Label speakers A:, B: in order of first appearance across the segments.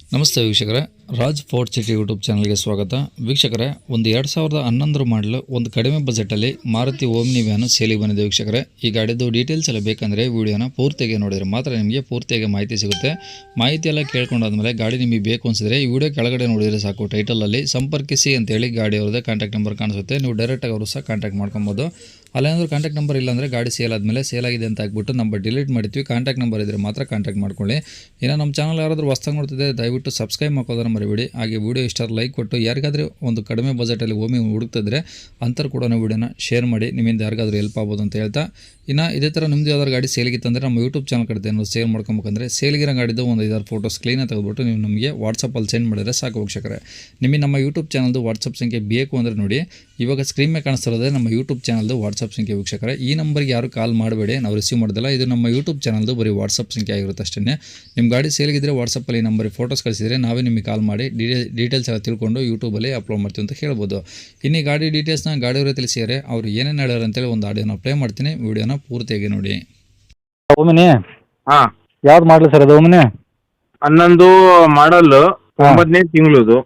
A: ನಮಸ್ತೆ ವೀಕ್ಷಕರೇ, Raj fort city YouTube ಚಾನಲ್ಗೆ ಸ್ವಾಗತ. ವೀಕ್ಷಕರೇ, ಒಂದು 2011 ಮಾಡಲು ಒಂದು ಕಡಿಮೆ ಬಜೆಟಲ್ಲಿ ಮಾರುತಿ ಓಮ್ನಿ ವ್ಯಾನು ಸೇಲಿಗೆ ಬಂದಿದೆ. ವೀಕ್ಷಕರೇ, ಈ ಗಾಡಿದು ಡೀಟೇಲ್ಸ್ ಎಲ್ಲ ಬೇಕಂದರೆ ವಿಡಿಯೋನ ಪೂರ್ತಿಯಾಗಿ ನೋಡಿದರೆ ಮಾತ್ರ ನಿಮಗೆ ಪೂರ್ತಿಯಾಗಿ ಮಾಹಿತಿ ಸಿಗುತ್ತೆ. ಮಾಹಿತಿ ಎಲ್ಲ ಕೇಳ್ಕೊಂಡಾದ್ಮೇಲೆ ಗಾಡಿ ನಿಮಗೆ ಬೇಕು ಅನಿಸಿದ್ರೆ ಈ ವಿಡಿಯೋ ಕೆಳಗಡೆ ನೋಡಿದರೆ ಸಾಕು. ಟೈಟಲಲ್ಲಿ ಸಂಪರ್ಕಿಸಿ ಅಂತೇಳಿ ಗಾಡಿ ಅವ್ರದ್ದೇ ಕಾಂಟ್ಯಾಕ್ಟ್ ನಂಬರ್ ಕಾಣಿಸುತ್ತೆ. ನೀವು ಡೈರೆಕ್ಟಾಗಿ ಅವರು ಸಹ ಕಾಂಟ್ಯಾಕ್ಟ್ ಮಾಡ್ಕೊಬೋದು. ಅಲ್ಲೇನಾದರೂ ಕಾಂಟ್ಯಾಕ್ಟ್ ನಂಬರ್ ಇಲ್ಲಾಂದರೆ ಗಾಡಿ ಸೇಲ್ ಆದಮೇಲೆ ಸೇಲ್ ಆಗಿದೆ ಅಂತ ಹಾಕ್ಬಿಟ್ಟು ನಂಬರ್ ಡಿಲೀಟ್ ಮಾಡ್ತೀವಿ. ಕಾಂಟ್ಯಾಕ್ಟ್ ನಂಬರ್ ಇದ್ದರೆ ಮಾತ್ರ ಕಾಂಟ್ಯಾಕ್ಟ್ ಮಾಡ್ಕೊಳ್ಳಿ. ಇನ್ನು ನಮ್ಮ ಚಾನಲ್ ಯಾರಾದರೂ ಹೊಸ್ದಾಗಿ ನೋಡ್ತಿದ್ದೆ ದಯವಿಟ್ಟು ಸಬ್ಸ್ಕ್ರೈಬ್ ಮಾಡ್ಕೋದನ್ನು ಮರಿಬೇಡಿ. ಹಾಗೆ ವಿಡಿಯೋ ಇಷ್ಟ ಲೈಕ್ ಕೊಟ್ಟು ಯಾರಿಗಾದರೂ ಒಂದು ಕಡಿಮೆ ಬಜೆಟಲ್ಲಿ ಓಮಿ ಹುಡುಕ್ತಿದ್ರೆ ಅಂಥವ್ರು ಕೂಡ ವಿಡಿಯೋನ ಶೇರ್ ಮಾಡಿ, ನಿಮ್ಮಿಂದ ಯಾರಿಗಾದರೂ ಹೆಲ್ಪ್ ಆಗ್ಬೋದು ಅಂತ ಹೇಳ್ತಾ, ಇನ್ನು ಇದೇ ಥರ ನಿಮ್ಮದು ಯಾವ್ದಾದ್ರು ಗಾಡಿ ಸೇಲಿಗಿತ್ತಂದರೆ ನಮ್ಮ ಯೂಟ್ಯೂಬ್ ಚಾನಲ್ ಕಡೆ ಏನಾದ್ರು ಸೇಲ್ ಮಾಡ್ಕೊಬೇಕಂದ್ರೆ ಸೇಲ್ಗಿರೋ ಗಾಡಿದು ಒಂದು 5-6 ಫೋಟೋಸ್ ಕ್ಲೀನಾಗಿ ತೆಗೆದುಬಿಟ್ಟು ನೀವು ನಮಗೆ ವಾಟ್ಸಪ್ಪಲ್ಲಿ ಸೆಂಡ್ ಮಾಡಿದರೆ ಸಾಕು ವೀಕ್ಷಕರೇ. ನಿಮಗೆ ನಮ್ಮ ಯೂಟ್ಯೂಬ್ ಚಾನಲ್ದು ವಾಟ್ಸಪ್ ಸಂಖ್ಯೆ ಬೇಕು ಅಂದರೆ ನೋಡಿ, ಇವಾಗ ಸ್ಕ್ರೀನ್ ಮೇಲೆ ಕಾಣಿಸ್ತಿರೋದೇ ನಮ್ಮ ಯೂಟ್ಯೂಬ್ ಚಾನಲ್ದು ವಾಟ್ಸಪ್ ಸಂಖ್ಯೆ ವೀಕ್ಷಕರೇ. ಈ ನಂಬರ್ಗೆ ಯಾರು ಕಾಲ್ ಮಾಡಬೇಡಿ, ನಾವು ರಿಸೀವ್ ಮಾಡೋದಿಲ್ಲ. ಇದು ನಮ್ಮ ಯೂಟ್ಯೂಬ್ ಚಾನಲ್ದು ಬರೀ ವಾಟ್ಸಪ್ ಸಂಖ್ಯೆ ಆಗಿರುತ್ತೆ ಅಷ್ಟೇ. ನಿಮ್ಮ ಗಾಡಿ ಸೇಲ್ಗಿದ್ರೆ ವಾಟ್ಸಪ್ಪಲ್ಲಿ ಈ ನಂಬರಿಗೆ ಫೋಟೋಸ್ ಕಳಿಸಿದರೆ ನಾವೇ ನಿಮಗೆ ಕಾಲ್ ಮಾಡಿ ಡೀಟೇಲ್ಸ್ ಎಲ್ಲ ತಿಳ್ಕೊಂಡು ಯೂಟ್ಯೂಬಲ್ಲಿ ಅಪ್ಲೋಡ್ ಮಾಡ್ತೀವಿ ಅಂತ ಹೇಳ್ಬೋದು. ಇನ್ನು ಗಾಡಿ ಡೀಟೇಲ್ಸ್ನ ಗಾಡಿಯವರೇ ತಿಳಿಸಿದರೆ ಅವರು ಏನೇನು ಹೇಳ್ಯಾರ ಅಂತೇಳಿ ಒಂದು ಆಡಿಯೋನ ಪ್ಲೇ ಮಾಡ್ತೀನಿ, ವಿಡಿಯೋನ ಪೂರ್ತಿಯಾಗಿ ನೋಡಿ.
B: ಓಮಿನಿ
C: ಹಾ
B: ಯಾವ್ದು ಮಾಡಲಿ ಸರ್ ಅದು ಓಮಿನಿ?
C: 11 ಮಾಡಲ್, 9ನೇ ತಿಂಗಳದು.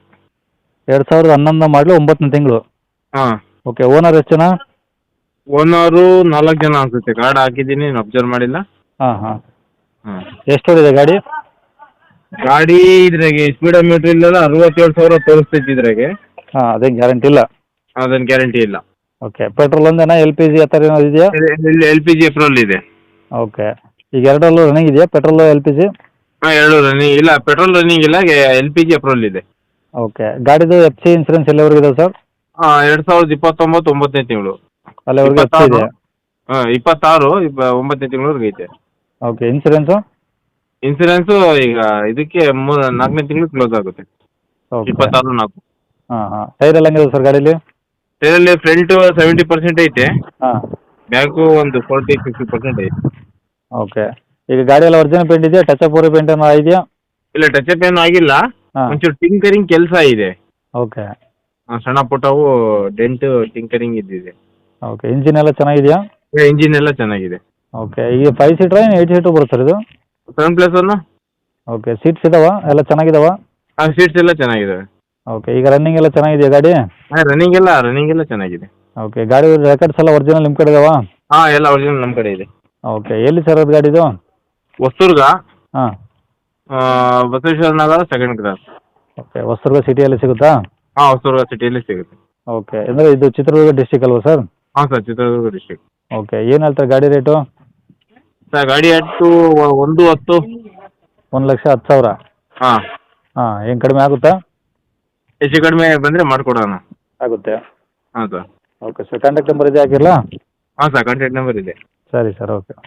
B: 2011 ಮಾಡಲು 9ನೇ ತಿಂಗಳು.
C: ಹಾ
B: ಓಕೆ. ಓನರ್ ಎಷ್ಟು ಜನ?
C: ಓನರು 4 ಜನ ಅನ್ಸುತ್ತೆ. ಕಾರ್ಡ್ ಹಾಕಿದ್ದೀನಿ, ನೀನು ಅಬ್ಸರ್ವ್ ಮಾಡಿಲ್ಲ.
B: ಹಾಂ ಹಾಂ.
C: ಹಾ
B: ಎಷ್ಟು ಓಡಿದೆ ಗಾಡಿ?
C: ಗಾಡಿ ಇದ್ರಾಗೆ ಸ್ಪೀಡೋಮೀಟರ್ ಇಲ್ಲ, 67,000 ತೋರಿಸ್ತೈತಿ ಇದ್ರಾಗೆ.
B: ಹಾಂ, ಅದೇನು ಗ್ಯಾರಂಟಿ ಇಲ್ಲ.
C: ಅದೇನು ಗ್ಯಾರಂಟಿ ಇಲ್ಲ.
B: ಓಕೆ. ಪೆಟ್ರೋಲ್ ಒಂದೇನಾ, ಎಲ್ ಪಿ ಜಿ ಆ ಥರ ಏನಾದ್ರು ಇದೆಯಾ?
C: LPG ಏಪ್ರಿಲ್ ಇದೆ.
B: ಓಕೆ. ಈಗ ಎರಡರಲ್ಲೂ ರನ್ನಿಂಗ್ ಇದೆಯಾ, ಪೆಟ್ರೋಲು ಎಲ್ ಪಿ ಜಿ?
C: ಹಾ, 2 ರನ್ನಿಂಗ್ ಇಲ್ಲ, ಪೆಟ್ರೋಲ್ ರನ್ನಿಂಗ್ ಇಲ್ಲ, LPG ಏಪ್ರಿಲ್ ಇದೆ.
B: ಓಕೆ. ಗಾಡಿದು ಎಫ್ ಸಿ ಇನ್ಸೂರೆನ್ಸ್ ಎಲ್ಲಿವರೆಗೆ ಇದೆ ಸರ್?
C: 2029 9ನೇ ತಿಂಗಳು.
B: ಅಲ್ಲಿವರೆಗೆ ಎಫ್ ಸಿ ಇದೆ?
C: 26 9ನೇ ತಿಂಗಳವರೆಗೆ ಐತೆ.
B: ಓಕೆ. ಇನ್ಸೂರೆನ್ಸು?
C: ಇನ್ಸೂರೆನ್ಸು ಈಗ ಇದಕ್ಕೆ 4ನೇ ತಿಂಗಳು ಕ್ಲೋಸ್ ಆಗುತ್ತೆ.
B: ಓಕೆ.
C: 26/4.
B: ಹಾಂ ಹಾಂ. ಟೈರ್ ಎಲ್ಲ ಹೆಂಗಿದೆ ಸರ್ ಗಾಡೀಲಿ?
C: ಇದರಲ್ಲಿ ಫ್ರಂಟ್ 70% ಐತೆ,
B: ಹಾಂ.
C: ಬ್ಯಾಕು ಒಂದು 40-50% ಐತೆ.
B: ಓಕೆ. ಈಗ ಗಾಡಿ ಎಲ್ಲ ಒರಿಜಿನಲ್ ಪೇಂಟ್ ಇದೆಯಾ, ಟಚ್ ಅಪ್ ಪೇಂಟ್ ಏನೋ ಇದೆಯಾ?
C: ಇಲ್ಲ, ಟಚ್ ಅಪ್ ಏನು ಆಗಿಲ್ಲ.
B: ಹಾಂ.
C: ಒಂಚೂರು ಟಿಂಕರಿಂಗ್ ಕೆಲಸ ಇದೆ.
B: ಓಕೆ.
C: ಸಣ್ಣ ಪುಟ್ಟವು ಡೆಂಟ್ ಟಿಂಕರಿಂಗ್ ಇದ್ದಿದೆ.
B: ಓಕೆ. ಇಂಜಿನ್ ಎಲ್ಲ ಚೆನ್ನಾಗಿದೆಯಾ?
C: ಇಂಜಿನ್ ಎಲ್ಲ ಚೆನ್ನಾಗಿದೆ.
B: ಓಕೆ. ಈಗ 5 ಸೀಟ್ರಾ ಏನು 8 ಸೀಟು ಬರುತ್ತೆ ಸರ್ ಇದು?
C: 7+1.
B: ಓಕೆ. ಸೀಟ್ಸ್ ಇದಾವ ಎಲ್ಲ ಚೆನ್ನಾಗಿದಾವ?
C: ಸೀಟ್ಸ್ ಎಲ್ಲ ಚೆನ್ನಾಗಿದ್ದಾವೆ.
B: ಓಕೆ. ಈಗ ರನ್ನಿಂಗ್ ಎಲ್ಲ ಚೆನ್ನಾಗಿದೆಯಾ ಗಾಡಿ?
C: ರನ್ನಿಂಗ್ ಎಲ್ಲ ಚೆನ್ನಾಗಿದೆ.
B: ಓಕೆ. ಗಾಡಿ ರೆಕಾರ್ಡ್ಸ್ ಎಲ್ಲ ಒರಿಜಿನಲ್ ನಿಮ್ಮ ಕಡೆ ಇದಾವ?
C: ಎಲ್ಲ ಒರಿಜಿನಲ್ ನಮ್ಮ ಕಡೆ ಇದೆ.
B: ಓಕೆ. ಎಲ್ಲಿ ಸರ್ ಅದು ಗಾಡಿದು?
C: ಹೊಸದುರ್ಗ,
B: ಹಾಂ.
C: Basaveshwara Nagar, 2nd cross.
B: Okay. Hosadurga ಸಿಟಿಯಲ್ಲಿ ಸಿಗುತ್ತಾ?
C: ಹೊಸದುರ್ಗ ಸಿಟಿಯಲ್ಲಿ ಸಿಗುತ್ತೆ.
B: ಓಕೆ. ಅಂದರೆ ಇದು ಚಿತ್ರದುರ್ಗ ಡಿಸ್ಟಿಕ್ ಅಲ್ವಾ sir?
C: Sir, Chitradurga district.
B: Okay. ಏನು ಹೇಳ್ತಾರೆ ಗಾಡಿ ರೇಟು?
C: ಸರ್, ಗಾಡಿ ಅಟ್ಟು 110.
B: 1,10,000?
C: ಹಾಂ.
B: ಹಾಂ. ಏನು ಕಡಿಮೆ ಆಗುತ್ತಾ?
C: ಹೆಚ್ಚು ಕಡಿಮೆ ಬಂದರೆ ಮಾಡಿಕೊಡೋಣ.
B: ಆಗುತ್ತೆ.
C: ಹಾಂ sir.
B: Okay sir. Contact number ಇದೆ ಹಾಕಿರಲಾ?
C: ಸರ್, ಕಾಂಟ್ಯಾಕ್ಟ್ ನಂಬರ್ ಇದೆ.
B: ಸರಿ ಸರ್. ಓಕೆ.